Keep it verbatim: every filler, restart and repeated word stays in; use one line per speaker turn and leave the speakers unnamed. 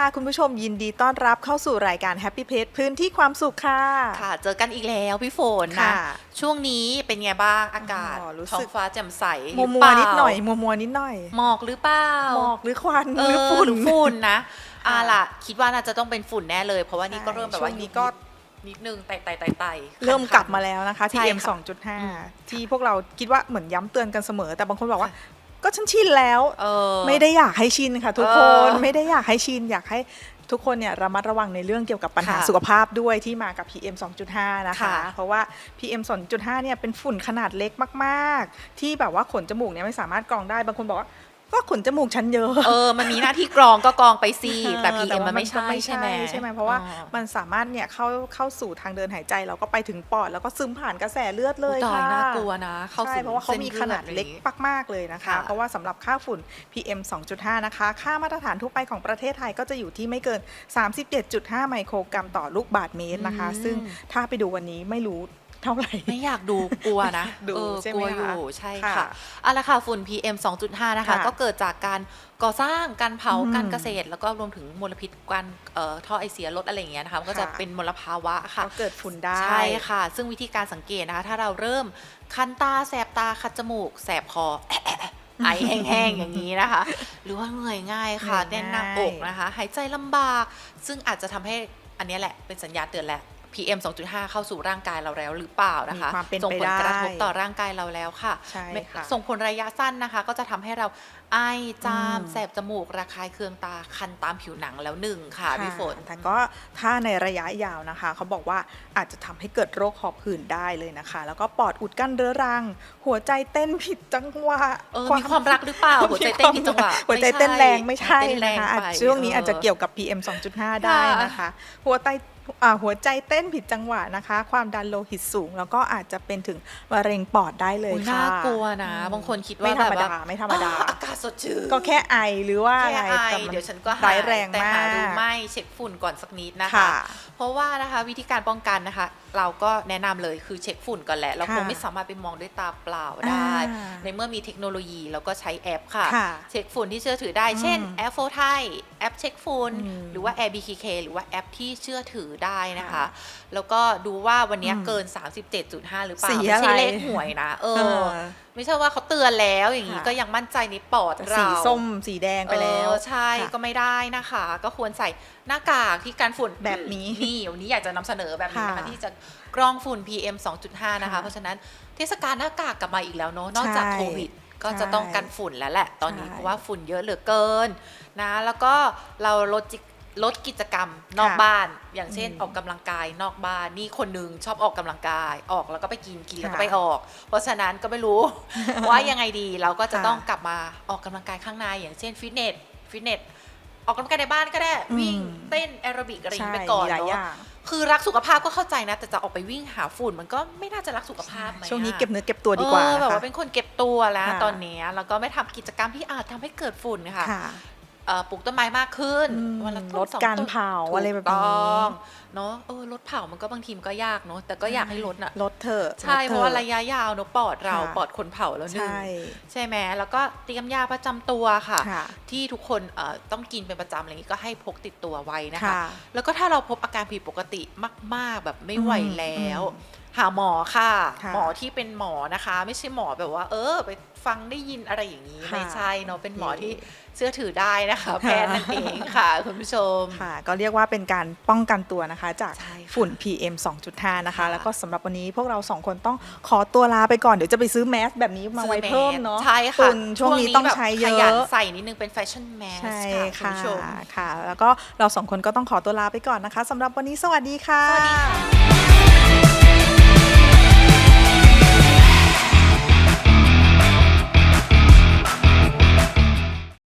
คุณผู้ชมยินดีต้อนรับเข้าสู่รายการ Happy Pet พื้นที่ความสุขค่ะ
ค่ะเจอกันอีกแล้วพี่ฝนนะ
ค่ะ
ช่วงนี้เป็นไงบ้างอากาศ
อ๋อรู้
ท้อ
สึ
ง
ก
ฟ้าแจ่มใส
มัว
หรื
มัว
เปล่า
นิดหน่อยมัวมัวนิดหน่อย
หมอกหรือเปล่า
หมอกหรือควัน
เอ
หรือ
อ
ฝุ่น
หรือฝุ่นนะ
ค่ะ
อ่าล่ะคิดว่าน่าจะต้องเป็นฝุ่นแน่เลย เพราะว่านี่ก็เริ่มแบบว่า
ช่วงนี้ก็
นิดนึงไต่ไต่ไต่ไต่
เริ่ม
คันๆ
กลับมาแล้วนะคะ
ใช่
พี เอ็ม
ค่ะ
สองจุดห้า
อืม
ที่พวกเราคิดว่าเหมือนย้ำเตือนกันเสมอ แต่บางคนบอกว่า ก็ฉันชินแล้ว
เออ
ไม่ได้อยากให้ชินค่ะทุกคน
เออ
ไม่ได้อยากให้ชินอยากให้ทุกคนเนี่ยระมัดระวังในเรื่องเกี่ยวกับปัญหา
ค่ะ
สุขภาพด้วยที่มากับ พี เอ็ม สองจุดห้า นะคะ
ค่ะ
เพราะว่า พี เอ็ม สองจุดห้า เนี่ยเป็นฝุ่นขนาดเล็กมากๆ ที่แบบว่าขนจมูกเนี่ยไม่สามารถกรองได้บางคนบอกว่าก็ขนจมูกฉันเยอะ
เออมันมีหน้าที่กรองก็กรองไปสิแต่
เออ
พี เอ็ม
ว่า
มันไม่ใช่ใช่ไหม
ใช่ไหมเพราะว่า
อ๋อ
มันสามารถเนี่ยเข้าเข้าสู่ทางเดินหายใจเราก็ไปถึงปอดแล้วก็ซึมผ่านกระแสเลือดเลย
อุ๊ยตาย
ค่ะ
น่ากลัวนะเข้า
ใช่
สู่
เพราะว่าเขามีขนาดเล็ก
ส้นลือ
มากๆเลยนะคะ
ค่ะ
เพราะว่าสำหรับค่าฝุ่น พี เอ็ม สองจุดห้า นะคะค่ามาตรฐานทั่วไปของประเทศไทยก็จะอยู่ที่ไม่เกิน สามสิบเจ็ดจุดห้า ไมโครกรัมต่อลูกบาศก์เมตรนะคะ
อืม
ซึ่งถ้าไปดูวันนี้ไม่รู้เท่าไหร่
ไม่อยากดูกลัวนะ
ดู
เออ
ใช่ไห
ก
ม
ลัวอ
คะ
ยู่ใช่
ค่ะ
ค่ะเอาละค่ะฝุ่น พี เอ็ม สองจุดห้า นะคะ
ค่ะ
ก็เกิดจากการก่อสร้างการเผา
อืม
การเกษตร แล้วก็รวมถึงมลพิษการเอ่อท่อไอเสียรถอะไรอย่างเงี้ยนะคะมันก็จะ
ค่ะ
เป็นมลภาวะค่ะ
ก็เกิดฝุ่นได้
ใช่ค่ะ ซึ่งวิธีการสังเกตนะคะ ถ้าเราเริ่มคันตาแสบตาคัดจมูก แสบคอ ไอแห้งๆอย่างนี้นะคะ หรือว่าเหนื่อยง่ายค่ะ
เหนื่
แน่
อย
นหน้า
ง่าย
อกนะคะ หายใจลำบาก ซึ่งอาจจะทำให้อันเนี้ยแหละเป็นสัญญาณเตือนแหละ พี เอ็ม สองจุดห้า เข้าสู่ร่างกายเราแล้วหรือเปล่านะคะ
มีความเป็น
ส่ง
ไป
ผลกระทบ
ได้
ต่อร่างกายเราแล้วค่ะ
ใช่
ไม่
ค่ะ
ส่งผลระยะสั้นนะคะ ก็จะทำให้เราไอจาม
อืม
แสบจมูกระคายเคืองตาคันตามผิวหนังแล้วหนึ่งค่ะพี่ฝน
แต่ก็ถ้าในระยะยาวนะคะ เขาบอกว่าอาจจะทำให้เกิดโรคหอบหืดได้เลยนะคะ แล้วก็ปอดอุดกั้นเรื้อรัง หัวใจเต้นผิดจังหวะ
เออมีความรักหรือเปล่าหัวใจเต้นผิดจังหวะ
หัวใจเต้นแรงไม่ใช่
เต้นแร
นะ
ง
คะ
ไป
อาจช่วงนี้
เอออ
อาจจะเกี่ยวกับ พี เอ็ม สองจุดห้า ได้นะคะ หัวใจอ่าหัวใจเต้นผิดจังหวะนะคะ ความดันโลหิตสูง แล้วก็อาจจะเป็นถึงมะเร็งปอดได้เลย
อุ๊ย
ค่ะ
น่ากลัวนะ บางคนคิดว่า
ไม่ธรรม
แบบ
ดา
ว่า
ไม่ธรรมดา
อ่อากาศสดชื่น
ก็แค่ไอหรือว่าอะ
แค่
ไร
ไอ
แต่มั
เดี๋ยวฉันก็หา
ร้าย ยแรง
แต่
มา
หาดู
ก
ไม่เช็คฝุ่นก่อนสักนิดนะคะ
ค่ะ
เพราะว่านะคะวิธีการป้องกันนะคะ เราก็แนะนำเลยคือเช็คฝุ่นก่อนแหละ เรา
ค่ะ
คงไม่สามารถไปมองด้วยตาเปล่าได้
อ่า
ในเมื่อมีเทคโนโลยีเราก็ใช้แอปค่ะ
ค่ะ
เช็คฝุ่นที่เชื่อถือได้ เช่น
อืม
แอปโฟไทยแอปเช็คฝุ่น
อืม
หรือว่า Air บี เค เค หรือว่าแอปที่เชื่อถือได้นะคะ
ค่ะ
แล้วก็ดูว่าวันเนี้ย
อืม
เกิน สามสิบเจ็ดจุดห้า หรือเปล่า
สี
ไม่ใช่
อะไร
เลขหวยนะเอ
เอ
อ
อ
ไม่ใช่ว่าเขาเตือนแล้วอย่างนี้
ค่ะ
ก็ยังมั่นใจในปอด
แต่
เรา
สีส้มสีแดงไปแล้ว
เออใช่
ค่ะ
ก็ไม่ได้นะคะ ก็ควรใส่หน้ากากที่กันฝุ่น
แบบนี้
นี่วันนี้อยากจะนำเสนอแบบนี้นะคะ
ค่ะ
ที่จะกรองฝุ่น พี เอ็ม สองจุดห้า นะคะ
ค่ะ
เพราะฉะนั้นเทศกาลหน้ากากกลับมาอีกแล้วเนาะนอกจาก
ใช่
โควิด ก็จะ
ใช่
ต้องกันฝุ่นแล้วแหละตอนนี้
ใช่
เพราะว่าฝุ่นเยอะเหลือเกินนะแล้วก็เราลดจิลดกิจกรรมนอก
ค่ะ
บ้าน อย่างเช่น
อืม
ออกกำลังกายนอกบ้านนี่คนหนึงชอบออกกำลังกายออกแล้วก็ไปกินกินแล้วก็
ค่ะ
ไปออก เพราะฉะนั้นก็ไม่รู้ ว่ายังไงดีเราก็จะ
ค่ะ
ต้องกลับมาออกกำลังกายข้างในอย่างเช่นฟิตเนสฟิตเนสออกกำลังกายในบ้านก็ได้
อืม
วิ่งเต้นแอโรบิกอะไรอย่าง
ใช่
นี้ไปก่อน
มีหลายอ
เนาะ
ย่าง
คือรักสุขภาพก็เข้าใจนะ แต่จะออกไปวิ่งหาฝุ่นมันก็ไม่น่าจะรักสุขภาพไหมอะ
ช่วงนี้เก็บเนื้อเก็บตัวดีกว่า
เออ
นะ
แบบ
คะ
ว่าเป็นคนเก็บตัวแล้ว
ค่ะ
ตอนนี้แล้วก็ไม่ทำกิจกรรมที่อาจทำให้เกิดฝุ่นค่ะ
ค่ะ
เอ่อปลูกต้นไม้มากขึ้น
อืม
วันละต้น
ลด
สอง
การ
ต้น
เผา
ถูก
อะไรแบบนี้
ต้องเนาะเออลดเผามันก็บางทีมันก็ยากเนาะแต่ก็อยากให้ลดน่ะ
ลดเถอะ
ใช่
ลด
เพ
ถอ
ราะว่าระยะยาวเนาะปอดเรา
ค่ะ
ปอดคนเผาแล้วหนึ่ง
ใช่
ใช่ไหมแล้วก็เตรียมยาประจำตัวค่ะ
ค่ะ
ที่ทุกคนเอ่อต้องกินเป็นประจำอะไรอย่างนี้ก็ให้พกติดตัวไว้นะคะ
ค่ะ
แล้วก็ถ้าเราพบอาการผิดปกติมาก ๆ แบบไม่ไหว
อืม
แล้ว
อืม
หาหมอค่ะ
ค่ะ
หมอที่เป็นหมอนะคะ ไม่ใช่หมอแบบว่า เออ ไปฟังได้ยินอะไรอย่างนี้
ค่ะ
ไม่ใช่เนาะเป็นหมอ
โอเค
ที่เชื่อถือได้นะคะ แพทย์นั่นเองค่ะคุณผู้ชม
ค่ะ ก็เรียกว่าเป็นการป้องกันตัวนะคะ จาก
ใช่ค่ะ
ฝุ่น พี เอ็ม สองจุดห้า นะคะ
ค่ะ
แล้วก็สำหรับวันนี้พวกเราสองคนต้องขอตัวลาไปก่อน เดี๋ยวจะไปซื้อแมสแบบนี้มาไว้เพิ่มเนาะ
ใช่ค่ะ
ฝุ่นช่วงนี้ต้อง
แบบ
ใช้เย
ขยัน
อะ
ใส่นิดนึงเป็นแฟชั่นแมส
ใช่
ค่ะคุณ
ค่ะ
ผู้ชม
ค่ะ แล้วก็เราสองคนก็ต้องขอตัวลาไปก่อนนะคะสำหรับวันนี้สวัสดีค่ะ
สวัสดีค่ะ